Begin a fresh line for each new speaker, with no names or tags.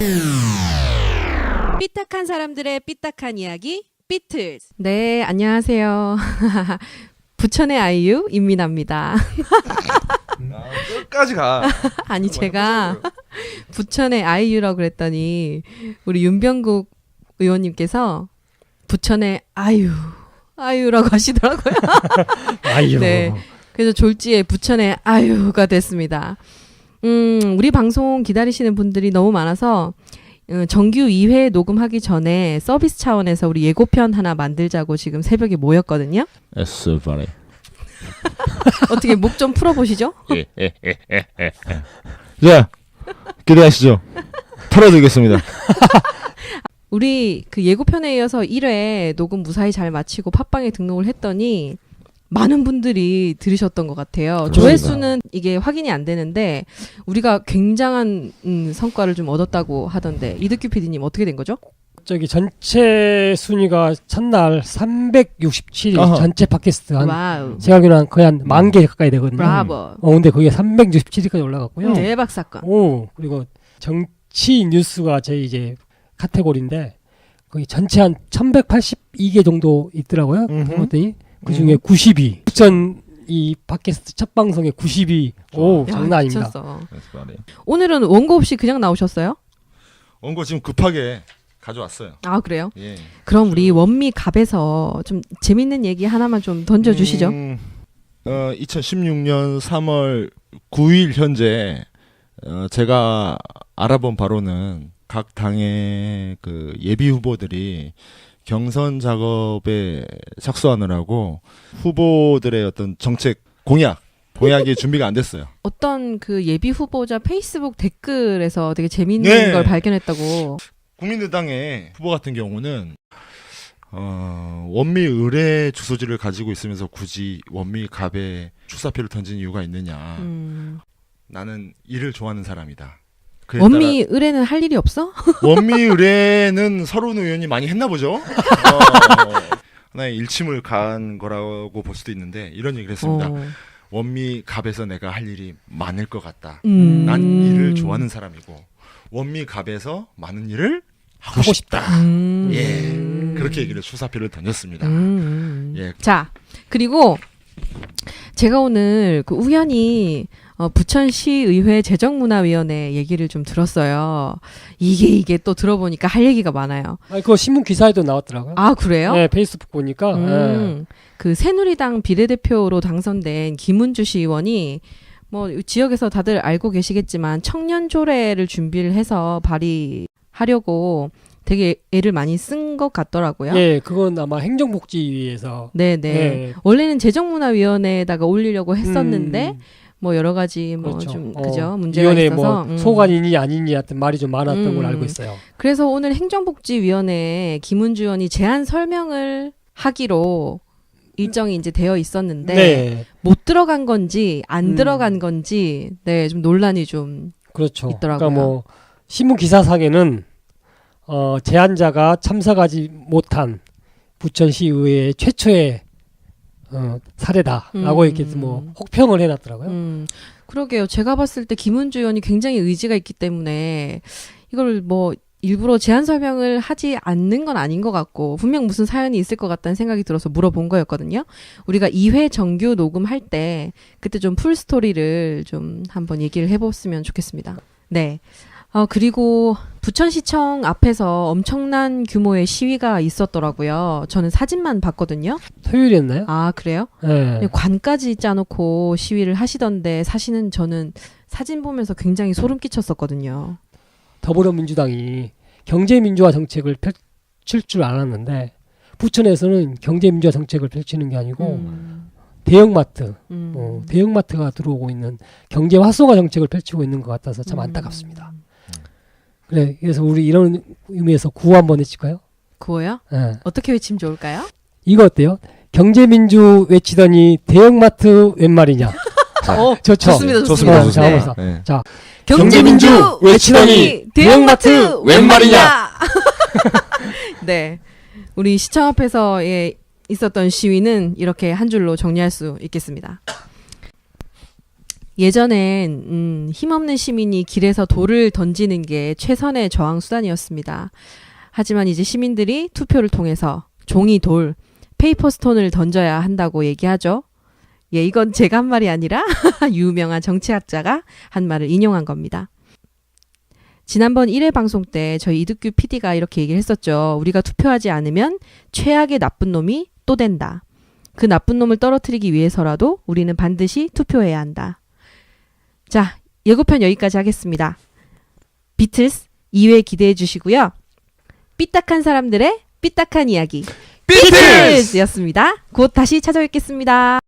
삐딱한 사람들의 삐딱한 이야기 삐틀즈. 네, 안녕하세요. 부천의 아이유 임민아입니다.
끝까지 가.
아니 제가 부천의 아이유라고 그랬더니 우리 윤병국 의원님께서 부천의 아이유라고 하시더라고요.
아이유.
네, 그래서 졸지에 부천의 아이유가 됐습니다. 우리 방송 기다리시는 분들이 너무 많아서 정규 2회 녹음하기 전에 서비스 차원에서 우리 예고편 하나 만들자고 지금 새벽에 모였거든요.
에스바레.
어떻게 목 좀 풀어보시죠?
자, 기대하시죠. 털어드리겠습니다.
우리 그 예고편에 이어서 1회 녹음 무사히 잘 마치고 팟빵에 등록을 했더니 많은 분들이 들으셨던 것 같아요.
그렇습니다.
조회수는 이게 확인이 안 되는데 우리가 굉장한 성과를 좀 얻었다고 하던데 이득규 PD님 어떻게 된 거죠?
저기 전체 순위가 첫날 367위
아하.
전체 팟캐스트
와우.
제가 알기로는 거의 한 10,000개 가까이 되거든요.
브라보.
근데 그게 367위까지 올라갔고요.
대박 사건.
그리고 정치 뉴스가 제 이제 카테고리인데 거의 전체 한 1182개 정도 있더라고요. 그랬더니 그 중에 90위. 부천 이 팟캐스트 첫 방송에 90위. 오,
야,
장난 아닙니다.
미쳤어.
에스바레.
오늘은 원고 없이 그냥 나오셨어요?
원고 지금 급하게 가져왔어요.
아 그래요?
예.
그럼 우리 원미 갑에서 좀 재밌는 얘기 하나만 좀 던져주시죠.
2016년 3월 9일 현재 제가 알아본 바로는 각 당의 그 예비 후보들이 경선 작업에 착수하느라고 후보들의 어떤 정책 공약이 준비가 안 됐어요.
어떤 그 예비 후보자 페이스북 댓글에서 되게 재밌는
네.
걸 발견했다고.
국민의당의 후보 같은 경우는 원미 의뢰 주소지를 가지고 있으면서 굳이 원미 갑에 출사표를 던진 이유가 있느냐. 나는 일을 좋아하는 사람이다. 그에
원미 의뢰는 할 일이 없어?
원미 의뢰는 서른 의원이 많이 했나 보죠. 하나의 일침을 가한 거라고 볼 수도 있는데 이런 얘기를 했습니다. 원미 갑에서 내가 할 일이 많을 것 같다. 난 일을 좋아하는 사람이고 원미 갑에서 많은 일을 하고 싶다. 예, 그렇게 얘기를 출사표를 던졌습니다. 예.
자, 그리고 제가 오늘 그 우연히 부천시의회 재정문화위원회 얘기를 좀 들었어요. 이게 또 들어보니까 할 얘기가 많아요.
그거 신문 기사에도 나왔더라고요.
아 그래요?
네, 페이스북 보니까. 네.
그 새누리당 비례대표로 당선된 김은주 시의원이 뭐 지역에서 다들 알고 계시겠지만 청년 조례를 준비를 해서 발의하려고 되게 애를 많이 쓴 것 같더라고요.
예, 그건 아마 행정복지위에서.
네네.
네.
원래는 재정문화위원회에다가 올리려고 했었는데 뭐 여러 가지 뭐
그렇죠.
좀 그죠 문제가
위원회
있어서
뭐 소관이니 아니니 하여튼 말이 좀 많았던 걸 알고 있어요.
그래서 오늘 행정복지위원회에 김은주 의원이 제안 설명을 하기로 일정이 이제 되어 있었는데
네,
못 들어간 건지 안 들어간 건지 네 좀 논란이 좀
그렇죠.
있더라고요.
그러니까 뭐 신문 기사상에는 제안자가 참석하지 못한 부천시의회 최초의 사례다라고 이렇게 뭐 혹평을 해놨더라고요.
그러게요. 제가 봤을 때 김은주 의원이 굉장히 의지가 있기 때문에 이걸 뭐 일부러 제안 설명을 하지 않는 건 아닌 것 같고 분명 무슨 사연이 있을 것 같다는 생각이 들어서 물어본 거였거든요. 우리가 2회 정규 녹음할 때 그때 좀 풀 스토리를 좀 한번 얘기를 해봤으면 좋겠습니다. 네. 그리고 부천시청 앞에서 엄청난 규모의 시위가 있었더라고요. 저는 사진만 봤거든요.
토요일이었나요?
아, 그래요?
네.
관까지 짜놓고 시위를 하시던데 사실은 저는 사진 보면서 굉장히 소름 끼쳤었거든요.
더불어민주당이 경제민주화 정책을 펼칠 줄 알았는데 부천에서는 경제민주화 정책을 펼치는 게 아니고 대형마트, 대형마트가 들어오고 있는 경제 활성화 정책을 펼치고 있는 것 같아서 참 안타깝습니다. 그래서 우리 이런 의미에서 구호 한번 해칠까요?
구호요?
네.
어떻게 외치면 좋을까요?
이거 어때요? 경제민주 외치더니 대형마트 웬 말이냐? 좋죠.
좋습니다.
좋습니다.
자,
좋습니다.
한번
네.
자,
경제민주 외치더니 대형마트 웬 말이냐? 네. 우리 시청 앞에서 있었던 시위는 이렇게 한 줄로 정리할 수 있겠습니다. 예전엔 힘없는 시민이 길에서 돌을 던지는 게 최선의 저항 수단이었습니다. 하지만 이제 시민들이 투표를 통해서 종이 돌, 페이퍼 스톤을 던져야 한다고 얘기하죠. 예, 이건 제가 한 말이 아니라 유명한 정치학자가 한 말을 인용한 겁니다. 지난번 1회 방송 때 저희 이득규 PD가 이렇게 얘기를 했었죠. 우리가 투표하지 않으면 최악의 나쁜 놈이 또 된다. 그 나쁜 놈을 떨어뜨리기 위해서라도 우리는 반드시 투표해야 한다. 자, 예고편 여기까지 하겠습니다. 비틀스 2회 기대해 주시고요. 삐딱한 사람들의 삐딱한 이야기
비틀스!
비틀스였습니다. 곧 다시 찾아뵙겠습니다.